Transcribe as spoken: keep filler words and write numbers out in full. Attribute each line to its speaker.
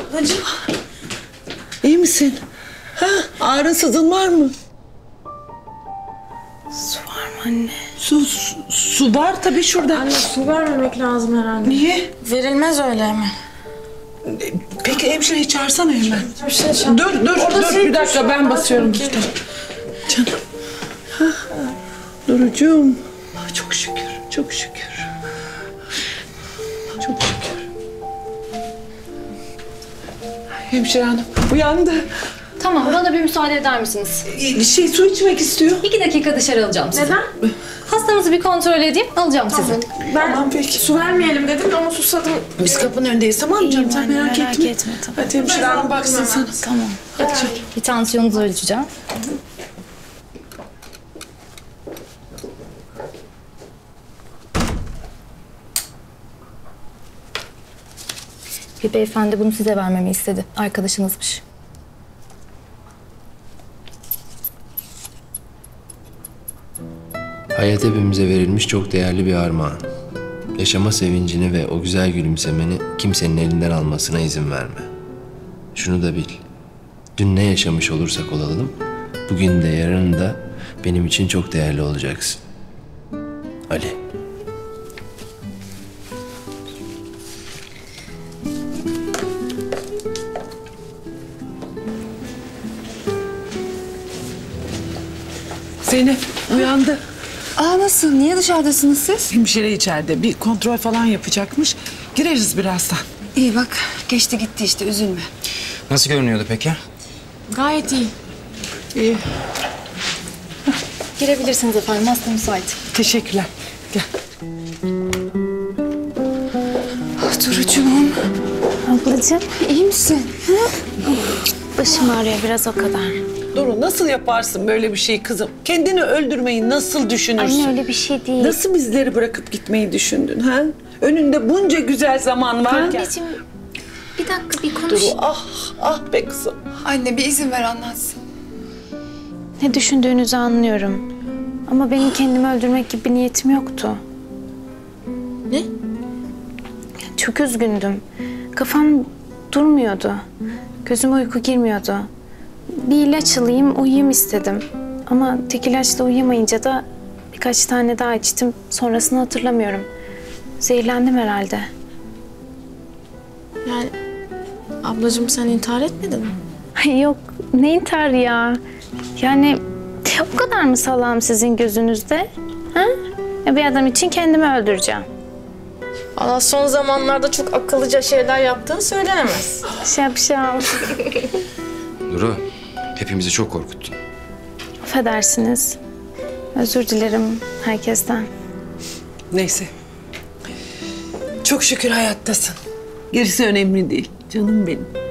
Speaker 1: Ablacığım. İyi misin? Ha? Ağrın sızın var mı?
Speaker 2: Su var mı anne?
Speaker 1: Su, su, su var tabii şurada.
Speaker 2: Anne su vermemek lazım herhalde.
Speaker 1: Niye?
Speaker 2: Verilmez öyle mi?
Speaker 1: Peki hemşireyi çağırsana hemen.
Speaker 2: Bir şey çal.
Speaker 1: Dur dur
Speaker 2: Orada
Speaker 1: dur
Speaker 2: şey
Speaker 1: bir dakika
Speaker 2: var,
Speaker 1: ben
Speaker 2: bak
Speaker 1: basıyorum
Speaker 2: bakayım.
Speaker 1: işte. Canım. Ha. Durucuğum. Ah, çok şükür, çok şükür. Çok şükür. Hemşire hanım uyandı.
Speaker 3: Tamam, bana bir müsaade eder misiniz?
Speaker 1: Bir şey su içmek istiyor.
Speaker 3: İki dakika dışarı alacağım sizi.
Speaker 2: Neden?
Speaker 3: Hastamızı bir kontrol edeyim, alacağım sizi.
Speaker 2: Ben
Speaker 1: Tamam peki.
Speaker 2: su vermeyelim dedim ama susadım.
Speaker 1: Biz kapının önündeyiz tamam mı canım? Sen
Speaker 3: anne,
Speaker 1: merak,
Speaker 3: merak
Speaker 1: etme.
Speaker 3: etme, tamam.
Speaker 1: Hadi hemşire hanım baksın sana.
Speaker 3: Tamam.
Speaker 1: Hadi canım.
Speaker 3: Bir tansiyonunuzu ölçeceğim. Bir beyefendi bunu size vermemi istedi. Arkadaşınızmış.
Speaker 4: Hayat hepimize verilmiş çok değerli bir armağan. Yaşama sevincini ve o güzel gülümsemeni kimsenin elinden almasına izin verme. Şunu da bil. Dün ne yaşamış olursak olalım, bugün de yarın da benim için çok değerli olacaksın. Ali.
Speaker 1: Zeynep uyandı.
Speaker 5: Aa nasıl? Niye dışarıdasınız siz?
Speaker 1: Hemşire içeride bir kontrol falan yapacakmış. Gireriz birazdan.
Speaker 5: İyi bak geçti gitti işte üzülme.
Speaker 6: Nasıl görünüyordu peki?
Speaker 2: Gayet iyi.
Speaker 1: İyi.
Speaker 3: Girebilirsiniz efendim, hasta müsait.
Speaker 1: Teşekkürler. Gel.
Speaker 5: Ah Durucuğum.
Speaker 3: Ablacığım,
Speaker 5: İyi misin?
Speaker 3: başım ağrıyor biraz o kadar.
Speaker 1: Duru nasıl yaparsın böyle bir şey kızım? Kendini öldürmeyi nasıl düşünürsün?
Speaker 3: Anne öyle bir şey değil.
Speaker 1: Nasıl bizleri bırakıp gitmeyi düşündün ha? Önünde bunca güzel zaman varken.
Speaker 3: Anneciğim, bir dakika bir konuş.
Speaker 1: Duru ah ah be kızım.
Speaker 5: Anne bir izin ver anlatsın.
Speaker 3: Ne düşündüğünüzü anlıyorum. Ama benim kendimi öldürmek gibi bir niyetim yoktu.
Speaker 2: Ne?
Speaker 3: Çok üzgündüm. Kafam durmuyordu. Gözüme uyku girmiyordu. Bir ilaç alayım, uyuyayım istedim. Ama tek ilaçla uyuyamayınca da birkaç tane daha içtim. Sonrasını hatırlamıyorum. Zehirlendim herhalde.
Speaker 2: Yani ablacığım sen intihar etmedin mi?
Speaker 3: Ay yok, ne intihar ya? Yani o kadar mı salağım sizin gözünüzde? Ha? Ya bir adam için kendimi öldüreceğim.
Speaker 2: Valla son zamanlarda çok akıllıca şeyler yaptığın söylenemez.
Speaker 3: Şapşal.
Speaker 6: Duru, hepimizi çok korkuttun.
Speaker 3: Affedersiniz. Özür dilerim herkesten.
Speaker 1: Neyse. Çok şükür hayattasın. Gerisi önemli değil. Canım benim.